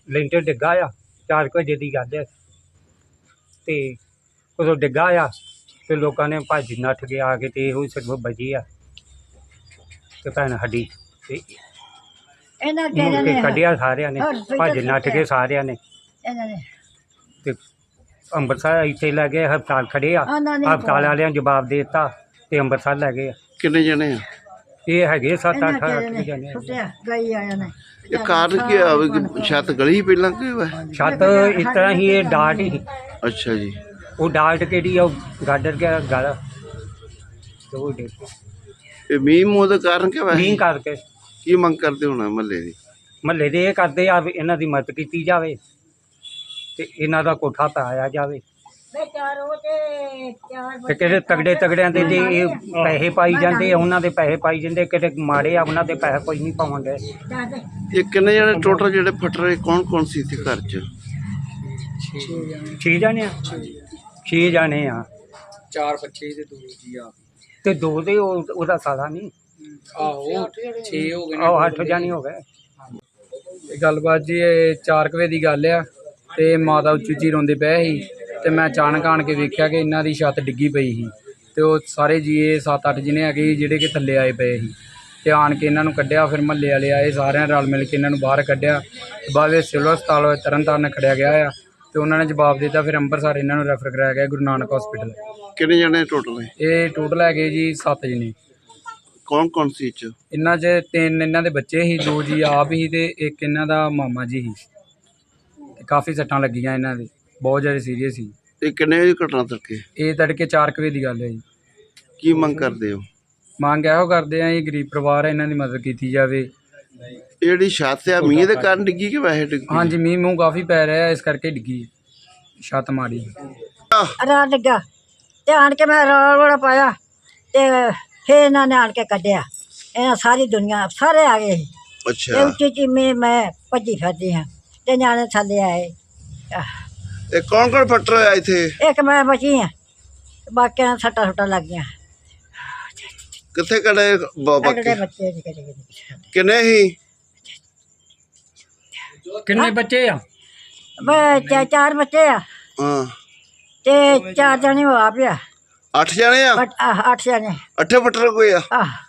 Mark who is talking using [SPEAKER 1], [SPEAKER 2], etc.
[SPEAKER 1] ਲੈਂਟਰ ਡਿੱਗਾ ਆ 4 ਵਜੇ ਦੀ ਗੱਲ ਹੈ ਤੇ ਉਦੋਂ ਡਿੱਗਾ ਆ ਤੇ ਲੋਕਾਂ ਨੇ ਭੱਜ ਨੱਠ ਕੇ ਆ ਕੇ ਤੇ ਇਹੋ ਹੀ ਸਿਰਫ ਬਚੀ ਆ ਤੇ ਭੈਣ ਸਾਡੀ ਤੇ
[SPEAKER 2] ਇਹਨਾਂ
[SPEAKER 1] ਮੁੜ ਕੇ ਕੱਢਿਆ ਸਾਰਿਆਂ ਨੇ ਭੱਜ ਨੱਠ ਕੇ ਸਾਰਿਆਂ ਨੇ
[SPEAKER 2] ਇਹਨਾਂ ਨੇ
[SPEAKER 1] ਤੇ ਅੰਮ੍ਰਿਤਸਰ ਇੱਥੇ ਲੈ ਗਏ ਹਸਪਤਾਲ ਖੜੇ ਆ ਹਸਪਤਾਲ ਵਾਲਿਆਂ ਜਵਾਬ ਦੇ ਦਿੱਤਾ ਤੇ ਅੰਮ੍ਰਿਤਸਰ ਲੈ ਗਏ ਆ।
[SPEAKER 3] ਕਿੰਨੇ ਜਣੇ ਆ
[SPEAKER 1] ਇਹ ਹੈਗੇ 7-8 ਜਣੇ
[SPEAKER 2] ਸੁੱਟਿਆ ਗਈ ਆਇਆ ਨੇ
[SPEAKER 3] ਇਹ ਕਾਰਨ ਕੀ ਆ ਵੀ ਛੱਤ ਗਲੀ ਪਹਿਲਾਂ ਕਿ ਹੋਇਆ?
[SPEAKER 1] ਛੱਤ ਇਸ ਤਰ੍ਹਾਂ ਹੀ ਇਹ ਡਾਟ ਹੀ
[SPEAKER 3] ਅੱਛਾ ਜੀ।
[SPEAKER 1] ਉਹ ਡਾਟ ਕਿਹੜੀ ਆ ਉਹ ਗਾਡਰ ਗਿਆ ਗਲ ਤੇ ਉਹ ਡਿੱਗ ਪਿਆ।
[SPEAKER 3] ਇਹ ਮੀਂਹ ਮੂੰਹ ਦਾ ਕਾਰਨ ਕੀ ਹੋਇਆ?
[SPEAKER 1] ਮੀਂਹ ਕਰਕੇ
[SPEAKER 3] ਕੀ ਮੰਗ ਕਰਦੇ ਹੋਣਾ ਮਹੱਲੇ ਦੀ?
[SPEAKER 1] ਮਹੱਲੇ ਦੇ ਇਹ ਕਰਦੇ ਆ ਵੀ ਇਹਨਾਂ ਦੀ ਮਦਦ ਕੀਤੀ ਜਾਵੇ ਤੇ ਇਹਨਾਂ ਦਾ ਕੋਠਾ ਪਾਇਆ ਜਾਵੇ ਤੇ ਕਿਹੜੇ ਤਗੜਿਆਂ ਦੇ ਜੇ ਇਹ ਪੈਸੇ ਪਾਈ ਜਾਂਦੇ ਆ ਉਹਨਾਂ ਦੇ ਪੈਸੇ ਪਾਈ ਜਾਂਦੇ ਕਿਤੇ ਮਾੜੇ ਆ ਉਹਨਾਂ ਦੇ ਪੈਸੇ ਕੋਈ ਨਹੀਂ ਪਾਉਂਦੇ।
[SPEAKER 3] ਇਹ ਕਿੰਨੇ ਜਣੇ ਟੋਟਲ ਜਿਹੜੇ ਫਟ ਰਹੇ ਕੌਣ ਸੀ ਇੱਥੇ ਘਰ 'ਚ?
[SPEAKER 1] 6 ਜਣੇ ਆ 6 ਜਣੇ ਆ
[SPEAKER 4] 4 ਬੱਚੇ ਤੇ 2 ਜੀ ਆ
[SPEAKER 1] ਤੇ 2 ਦੇ ਉਹਦਾ ਸਾਲਾ ਨਹੀਂ
[SPEAKER 4] ਆਹੋ 6 ਹੋ ਗਏ
[SPEAKER 1] ਉਹ 8 ਜਣੇ ਹੋ ਗਏ।
[SPEAKER 4] ਇਹ ਗੱਲਬਾਤ ਜੀ ਇਹ 4 ਵਜੇ ਦੀ ਗੱਲ ਆ ਤੇ ਮਾਤਾ ਉੱਚੀ ਉੱਚੀ ਰੋਂਦੇ ਪਏ ਸੀ ਤੇ ਮੈਂ ਅਚਾਨਕ ਆਣ ਕੇ ਵੇਖਿਆ ਕਿ ਇਹਨਾਂ ਦੀ ਛੱਤ ਡਿੱਗੀ ਪਈ ਸੀ ਤੇ ਉਹ ਸਾਰੇ ਜੀਏ 7-8 ਜਿਹਨੇ ਹੈਗੇ ਜਿਹੜੇ ਕਿ ਥੱਲੇ ਆਏ ਪਏ ਸੀ ਤੇ ਆਣ ਕੇ ਇਹਨਾਂ ਨੂੰ ਕੱਢਿਆ। ਫਿਰ ਮਹੱਲੇ ਵਾਲੇ ਆਏ ਸਾਰਿਆਂ ਰਲ ਮਿਲ ਕੇ ਇਹਨਾਂ ਨੂੰ ਬਾਹਰ ਕੱਢਿਆ। ਬਾਅਦ ਵਿੱਚ ਸਿਵਲ ਹਸਪਤਾਲ ਤਰਨਤਾਰਨ ਖੜਿਆ ਗਿਆ ਆ ਤੇ ਉਹਨਾਂ ਨੇ ਜਵਾਬ ਦਿੱਤਾ। ਫਿਰ ਅੰਮ੍ਰਿਤਸਰ ਇਹਨਾਂ ਨੂੰ ਰੈਫਰ ਕਰਾਇਆ ਗਿਆ ਗੁਰੂ ਨਾਨਕ ਹਸਪੀਟਲ।
[SPEAKER 3] ਕਿੰਨੇ ਜਣੇ ਟੋਟਲ ਹੈ?
[SPEAKER 4] ਇਹ ਟੋਟਲ ਹੈਗੇ ਜੀ 7 ਜਣੇ।
[SPEAKER 3] ਕੌਣ ਸੀ ਚ?
[SPEAKER 4] ਇਹਨਾਂ 'ਚ 3 ਇਹਨਾਂ ਦੇ ਬੱਚੇ ਸੀ, 2 ਜੀ ਆਪ ਹੀ ਤੇ ਇੱਕ ਇਹਨਾਂ ਦਾ ਮਾਮਾ ਜੀ ਸੀ। ਕਾਫੀ ਸੱਟਾਂ ਲੱਗੀਆਂ ਇਹਨਾਂ ਦੇ, ਬਹੁਤ ਜ਼ਿਆਦਾ ਸੀਰੀਅਸ ਸੀ।
[SPEAKER 3] ਇਹ ਕਿੰਨੇ ਵਜੇ ਘਟਨਾ ਤੜਕੇ?
[SPEAKER 4] ਇਹ ਤੜਕੇ 4 ਵਜੇ ਦੀ ਗੱਲ ਹੈ ਜੀ।
[SPEAKER 3] ਕੀ ਮੰਗ ਕਰਦੇ ਹੋ?
[SPEAKER 4] ਮੰਗ ਇਹੋ ਕਰਦੇ ਆ ਜੀ ਗਰੀਬ ਪਰਿਵਾਰ ਹੈ ਇਹਨਾਂ ਦੀ ਮਦਦ ਕੀਤੀ ਜਾਵੇ।
[SPEAKER 3] ਇਹ ਜਿਹੜੀ ਛੱਤ ਆ ਮੀਂਹ ਦੇ ਕਾਰਨ ਡਿੱਗੀ ਕਿ ਵੈਸੇ ਡਿੱਗੀ?
[SPEAKER 4] ਹਾਂਜੀ ਮੀਂਹ ਮੂੰਹ ਕਾਫੀ ਪੈ ਰਿਹਾ ਇਸ ਕਰਕੇ ਡਿੱਗੀ ਛੱਤ ਮਾੜੀ।
[SPEAKER 2] ਰਾਤ ਲੱਗਾ ਤੇ ਆਣ ਕੇ ਮੈਂ ਰੌਲਾ ਪਾਇਆ ਤੇ ਫਿਰ ਇਹਨਾਂ ਨੇ ਆਣ ਕੇ ਕੱਢਿਆ। ਇਹਨਾਂ ਸਾਰੀ ਦੁਨੀਆ ਸਾਰੇ ਆ ਗਏ ਸੀ।
[SPEAKER 3] ਅੱਛਾ।
[SPEAKER 2] ਉੱਚੀ ਮੈਂ ਭੱਜੀ ਫਿਰਦੀ ਹਾਂ ਤੇ ਨਿਆਣੇ ਥੱਲੇ ਆਏ।
[SPEAKER 3] ਇਹ ਕੌਣ ਫਟ ਰਿਹਾ ਇੱਥੇ?
[SPEAKER 2] ਇੱਕ ਮੈਂ ਬਚੀ ਹਾਂ, ਬਾਕੀਆਂ ਨੂੰ ਸੱਟਾਂ ਸੁੱਟਾਂ ਲੱਗ ਗਈਆਂ।
[SPEAKER 3] ਕਿੱਥੇ ਕੜੇ
[SPEAKER 2] ਬੱਚੇ ਨਿੱਕੇ
[SPEAKER 3] ਕਿੰਨੇ ਹੀ?
[SPEAKER 1] ਕਿੰਨੇ ਬੱਚੇ ਆ?
[SPEAKER 2] ਮੈਂ 4 ਬੱਚੇ ਆ
[SPEAKER 3] ਹਾਂ
[SPEAKER 2] ਤੇ 4 ਜਣੇ ਹੋ ਆ ਪਿਆ।
[SPEAKER 3] 8 ਜਣੇ ਆ?
[SPEAKER 2] 8 ਜਣੇ
[SPEAKER 3] 8 ਫਟ ਰਹੇ ਕੋਈ ਆ?
[SPEAKER 2] ਆਹ